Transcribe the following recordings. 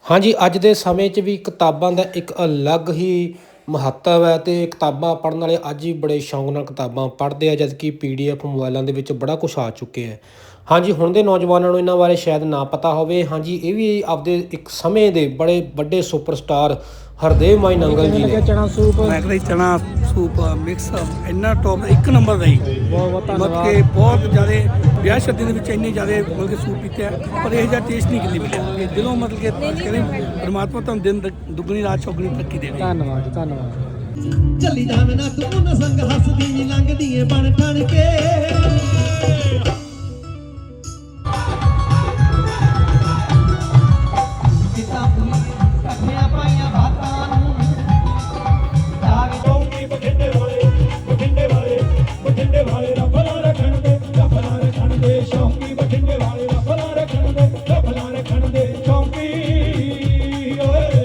ਹਾਂਜੀ, ਅੱਜ ਦੇ ਸਮੇਂ 'ਚ ਵੀ ਕਿਤਾਬਾਂ ਦਾ ਇੱਕ ਅਲੱਗ ਹੀ ਮਹੱਤਵ ਹੈ ਅਤੇ ਕਿਤਾਬਾਂ ਪੜ੍ਹਨ ਵਾਲੇ ਅੱਜ ਵੀ ਬੜੇ ਸ਼ੌਂਕ ਨਾਲ ਕਿਤਾਬਾਂ ਪੜ੍ਹਦੇ ਆ ਜਦ ਕਿ PDF ਮੋਬਾਇਲਾਂ ਦੇ ਵਿੱਚ ਬੜਾ ਕੁਛ ਆ ਚੁੱਕਿਆ ਹੈ। ਹਾਂਜੀ, ਹੁਣ ਦੇ ਨੌਜਵਾਨਾਂ ਨੂੰ ਇਹਨਾਂ ਬਾਰੇ ਸ਼ਾਇਦ ਨਾ ਪਤਾ ਹੋਵੇ। ਹਾਂਜੀ, ਇਹ ਵੀ ਆਪਦੇ ਇੱਕ ਸਮੇਂ ਦੇ ਬੜੇ ਵੱਡੇ ਸੁਪਰਸਟਾਰ ਹਰਦੇਵ ਮਾਈ ਨੰਗਲ ਜੀ ਨੇ। ਚਨਾ ਸੂਪ ਮੈਂ ਕਹਿੰਦਾ ਚਣਾ ਸੂਪ ਮਿਕਸ ਇੰਨਾ ਟੌਪ ਇੱਕ ਨੰਬਰ ਦਾ ਹੀ ਬਹੁਤ ਮਤਲਬ ਕਿ ਬਹੁਤ ਜ਼ਿਆਦਾ ਵਿਆਹ ਸ਼ਾਦੀ ਦੇ ਵਿੱਚ ਇੰਨੇ ਜ਼ਿਆਦਾ ਮਤਲਬ ਕਿ ਸੂਪ ਪੀਤੇ ਆ ਪਰ ਇਹ ਜਿਹਾ ਟੇਸਟ ਨਹੀਂ ਕਿਤੇ ਮਿਲਿਆ ਕਿ ਦਿਲੋਂ ਮਤਲਬ ਕਿ ਕਹਿੰਦੇ ਪਰਮਾਤਮਾ ਤੁਹਾਨੂੰ ਦਿਨ ਦੁੱਗਣੀ ਰਾਤ ਚੌਗਣੀ ਤਰੱਕੀ ਦੇਵੇ। ਧੰਨਵਾਦ ਧੰਨਵਾਦ। ਚੱਲੀ ਜਾਵੇ ਨਾ ਤੂੰ ਉਹਨਾਂ ਸੰਗ ਹੱਸਦੀ ਨੀ ਲੰਘਦੀ ਏ ਬਣ ਠਣ ਕੇ ਇਕੱਠਿਆਂ ਪਾਈਆਂ ਬਾਤਾਂ ਨੂੰ ਜਾਵੇ ਬਠਿੰਡੇ ਵਾਲੇ ਰੱਬਲਾ ਰੱਖਣ ਦੇ ਸ਼ੌਂਕੀ ਬਠਿੰਡੇ ਵਾਲੇ ਰੱਬਲਾ ਰੱਖਣ ਦੇ ਸ਼ੌਂਕੀ ਓਏ।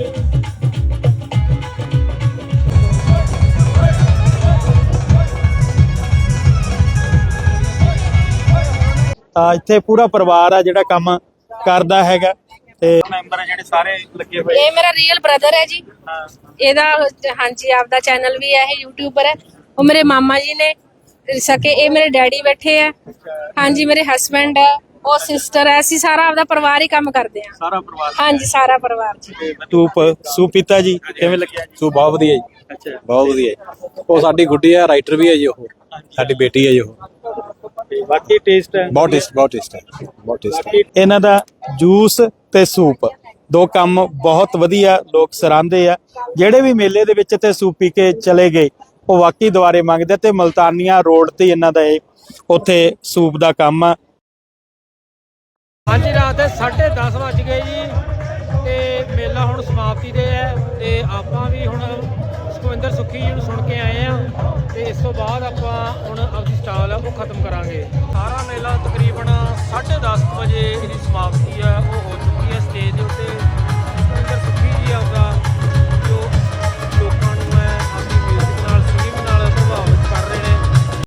ਇੱਥੇ ਪੂਰਾ ਪਰਿਵਾਰ ਆ ਜਿਹੜਾ ਕੰਮ ਕਰਦਾ ਹੈਗਾ ਤੇ ਮੈਂਬਰ ਜਿਹੜੇ ਸਾਰੇ ਲੱਗੇ ਹੋਏ। ਇਹ ਮੇਰਾ ਰੀਅਲ ਬ੍ਰਦਰ ਹੈ ਜੀ। ਇਹਦਾ ਹਾਂਜੀ ਆਪਦਾ ਚੈਨਲ ਵੀ ਹੈ, ਇਹ ਯੂਟਿਊਬਰ ਹੈ। ਉਹ ਮੇਰੇ ਮਾਮਾ ਜੀ ਨੇ ਸਕੇ, ਇਹ ਮੇਰੇ ਡੈਡੀ ਬੈਠੇ ਆ। ਹਾਂਜੀ, ਮੇਰੇ ਹਸਬੈਂਡ ਹੈ, ਉਹ ਸਿਸਟਰ ਹੈ। ਅਸੀਂ ਸਾਰਾ ਆਪਦਾ ਪਰਿਵਾਰ ਹੀ ਕੰਮ ਕਰਦੇ ਆ। ਸਾਰਾ ਪਰਿਵਾਰ? ਹਾਂਜੀ, ਸਾਰਾ ਪਰਿਵਾਰ ਜੀ। ਸੂਪ ਪੀਤਾ ਜੀ, ਕਿਵੇਂ ਲੱਗਿਆ? ਸੂਪ ਬਹੁਤ ਵਧੀਆ ਜੀ। ਅੱਛਾ, ਬਹੁਤ ਵਧੀਆ ਜੀ। ਉਹ ਸਾਡੀ ਗੁੱਡੀ ਆ, ਰਾਈਟਰ ਵੀ ਹੈ ਜੀ। ਉਹ ਸਾਡੀ ਬੇਟੀ ਹੈ ਜੀ। ਉਹ ਬਾਕੀ ਟੇਸਟ ਹੈ ਬਹੁਤ ਟੇਸਟ ਹੈ। ਇਹਨਾਂ ਦਾ ਜੂਸ ਤੇ ਸੂਪ ਦੋ ਕੰਮ ਬਹੁਤ ਵਧੀਆ ਲੋਕ ਸਰਾਂਦੇ ਆ। ਜਿਹੜੇ ਵੀ ਮੇਲੇ ਦੇ ਵਿੱਚ ਤੇ ਸੂਪ ਪੀ ਕੇ ਚਲੇ ਗਏ ਉਹ ਵਾਕਈ ਦੁਬਾਰੇ ਮੰਗਦੇ। ਤੇ ਮਲਤਾਨੀਆ ਰੋਡ ਤੇ ਇਹਨਾਂ ਦਾ ਇਹ ਉੱਥੇ ਸੂਪ ਦਾ ਕੰਮ ਆ। ਹਾਂਜੀ, ਰਾਤ ਦੇ 10:30 ਵੱਜ ਗਏ ਜੀ ਤੇ ਮੇਲਾ ਹੁਣ ਸਮਾਪਤੀ ਤੇ ਹੈ ਤੇ ਆਪਾਂ ਵੀ ਹੁਣ ਸੁਖਵਿੰਦਰ ਸੁੱਖੀ ਜੀ ਨੂੰ ਸੁਣ ਕੇ ਆਏ ਆ ਤੇ ਇਸ ਤੋਂ ਬਾਅਦ ਆਪਾਂ ਹੁਣ ਆਪਣੀ ਸਟਾਲ ਉਹ ਖਤਮ ਕਰਾਂਗੇ। ਸਾਰਾ ਮੇਲਾ ਤਕਰੀਬਨ 10:30 ਵਜੇ ਇਹਦੀ ਸਮਾਪਤੀ ਆ ਉਹ